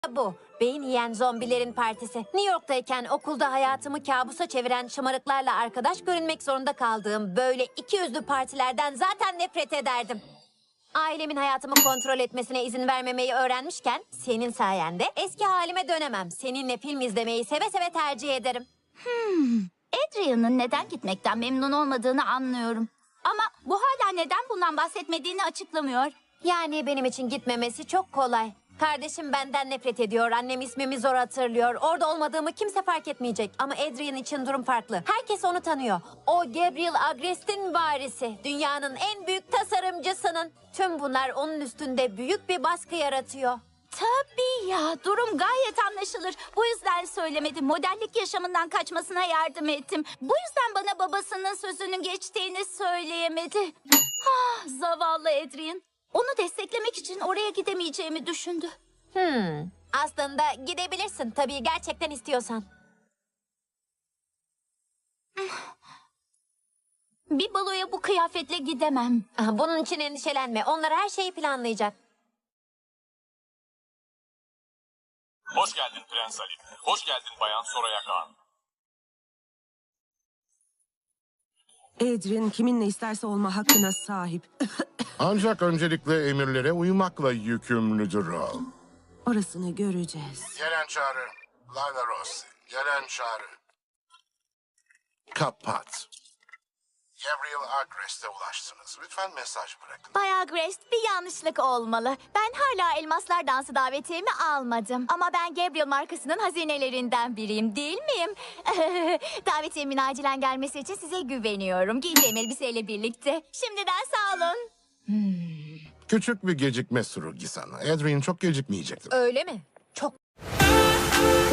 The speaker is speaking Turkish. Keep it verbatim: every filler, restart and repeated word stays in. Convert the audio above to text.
Bu, beyin yiyen zombilerin partisi. New York'tayken okulda hayatımı kabusa çeviren şımarıklarla arkadaş görünmek zorunda kaldığım böyle iki yüzlü partilerden zaten nefret ederdim. Ailemin hayatımı kontrol etmesine izin vermemeyi öğrenmişken senin sayende eski halime dönemem. Seninle film izlemeyi seve seve tercih ederim. Adrian'ın neden gitmekten memnun olmadığını anlıyorum. Ama bu hala neden bundan bahsetmediğini açıklamıyor. Yani benim için gitmemesi çok kolay. Kardeşim benden nefret ediyor, annem ismimi zor hatırlıyor. Orada olmadığımı kimse fark etmeyecek. Ama Adrian için durum farklı. Herkes onu tanıyor. O Gabriel Agrest'in varisi. Dünyanın en büyük tasarımcısının. Tüm bunlar onun üstünde büyük bir baskı yaratıyor. Tabii ya, durum gayet anlaşılır. Bu yüzden söylemedim. Modellik yaşamından kaçmasına yardım ettim. Bu yüzden bana babasının sözünün geçtiğini söyleyemedi. Ah, zavallı Adrian. Onu desteklemek için oraya gidemeyeceğimi düşündü. Hmm. Aslında gidebilirsin tabii gerçekten istiyorsan. Bir baloya bu kıyafetle gidemem. Ah, Bunun için endişelenme. Onlar her şeyi planlayacak. Hoş geldin Prens Ali. Hoş geldin Bayan Soraya Kağan. Adrian kiminle isterse olma hakkına sahip. Ancak öncelikle emirlere uymakla yükümlüdür o. Orasını göreceğiz. Gelen çağrı. Layla Rossi. Gelen çağrı. Kapat. Gabriel Agrest'e ulaştınız. Lütfen mesaj bırakın. Bayağı Grace, bir yanlışlık olmalı. Ben hala Elmaslar Dansı davetiyemi almadım. Ama ben Gabriel markasının hazinelerinden biriyim, değil miyim? Davetiyemin acilen gelmesi için size güveniyorum. Giyeceğim elbiseyle birlikte. Şimdiden sağ olun. Küçük bir gecikme Surugi sana. Adrian çok gecikmeyecektir. Öyle mi? Çok.